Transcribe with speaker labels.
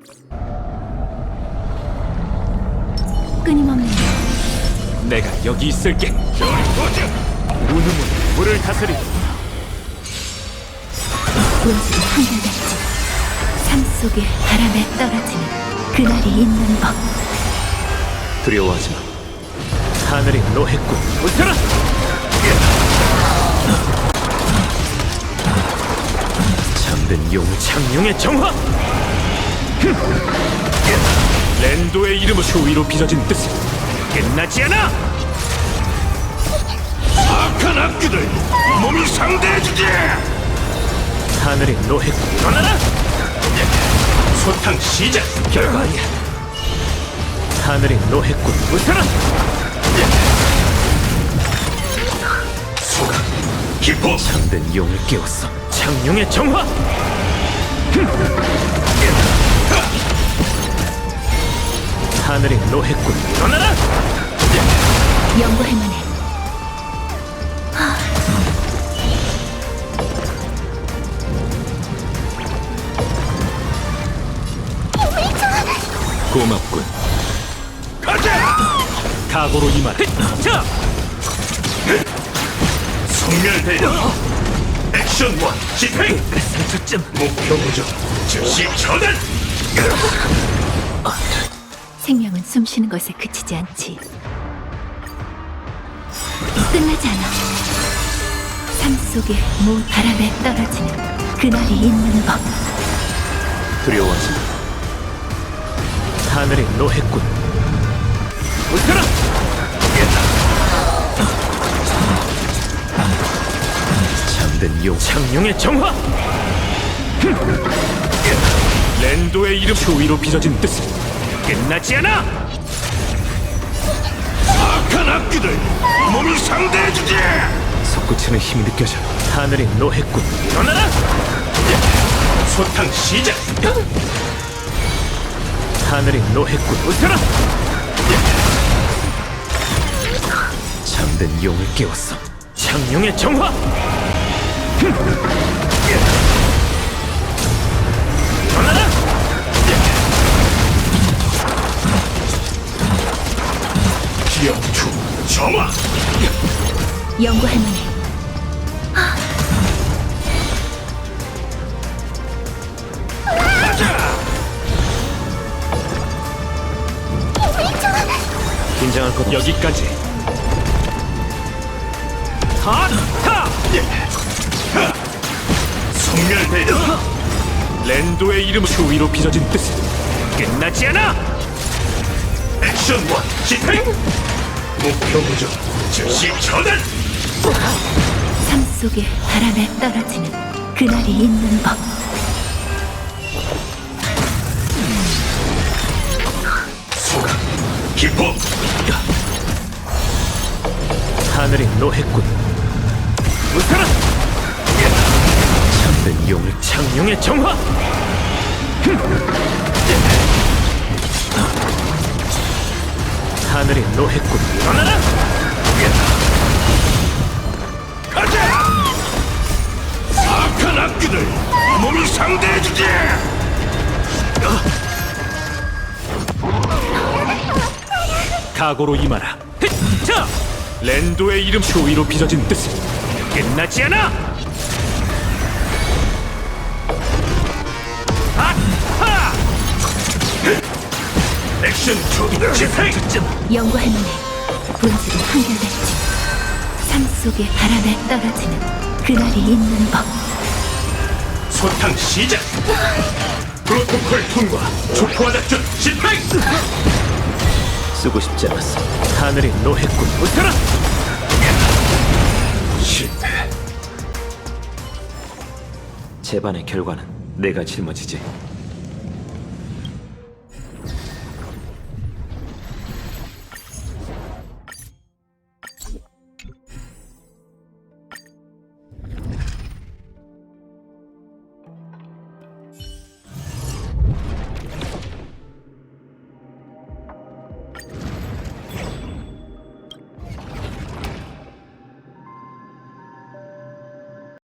Speaker 1: 끊임없는
Speaker 2: 내가 여기 있을게. 우누문 물을 다스리.
Speaker 1: 본질이 한결같이 삶 속에 바람에 떨어지는 그날이 있는 법.
Speaker 2: 두려워하지 마. 하늘이 노했군. 웃어라. 잠든 용 창룡의 정화. 랜도의 이름은 추위로 빚어진 뜻은 끝나지 않아.
Speaker 3: 악한 악기들 몸이 상대해주지.
Speaker 2: 하늘이 노했군. 일어나라.
Speaker 3: 소탕 시작.
Speaker 2: 결과 아니야. 하늘이 노했군. 웃어라.
Speaker 3: 소각 기포.
Speaker 2: 잠든 용을 깨웠어. 창룡의 정화. 하늘이 노했군. 일어나라.
Speaker 1: 연구할 만해.
Speaker 2: 고맙군.
Speaker 3: 가자.
Speaker 2: 각오로 임하라. 자,
Speaker 3: 소멸대령 액션 원 집행.
Speaker 2: 상처점.
Speaker 3: 목표 부정 즉시 처단.
Speaker 1: 생명은 숨쉬는 것에 그치지 않지. 끝나지 않아. 삶 속에 바람에 떨어지는 그날이 있는 법.
Speaker 2: 두려워하지 마. 하늘이 노했군. 웃어라. 잠든 용 창룡의 정화. 랜도의 이름 추위로 빚어진 뜻은 끝나지 않아.
Speaker 3: 악한 악기들 몸이 상대해주지.
Speaker 2: 솟구치는 힘이 느껴져. 하늘이 노했군. 일어나라.
Speaker 3: 소탕 시작.
Speaker 2: 하늘이 노했군. 웃어라. 잠든 용을 깨웠어. 창룡의 정화. 일어나라.
Speaker 3: 기영추 점화.
Speaker 1: 연구할 만해.
Speaker 2: 긴장할 것 여기까지. 하타.
Speaker 3: 소멸대령
Speaker 2: 랜도의 이름 추위로 빚어진 뜻은 끝나지 않아.
Speaker 3: 액션 원 집행. 목표 부정 즉시 처단.
Speaker 1: 삶 속에 바람에 떨어지는 그날이 있는 법.
Speaker 3: 소각 기포.
Speaker 2: 하늘이 노했군. 웃어라. 잠든 용을 창룡의 정화. 하늘이 노했군. 일어나라.
Speaker 3: 가자. 악한 악기들 몸이 상대해주지.
Speaker 2: 각오로 임하라. 자, 랜도의 이름 추위로 빚어진 뜻은 끝나지 않아. 아하!
Speaker 3: 액션 투 집행.
Speaker 1: 연구할 만해. 본질은 한결같이 삶 속에 바람에 떨어지는 그날이 있는 법.
Speaker 3: 소탕 시작. 프로토콜 통과. 초토화 작전 집행.
Speaker 2: 쓰고 싶지 않았어. 하늘이 노했군. 웃어라.
Speaker 3: 실패.
Speaker 2: 재반의 결과는 내가 짊어지지.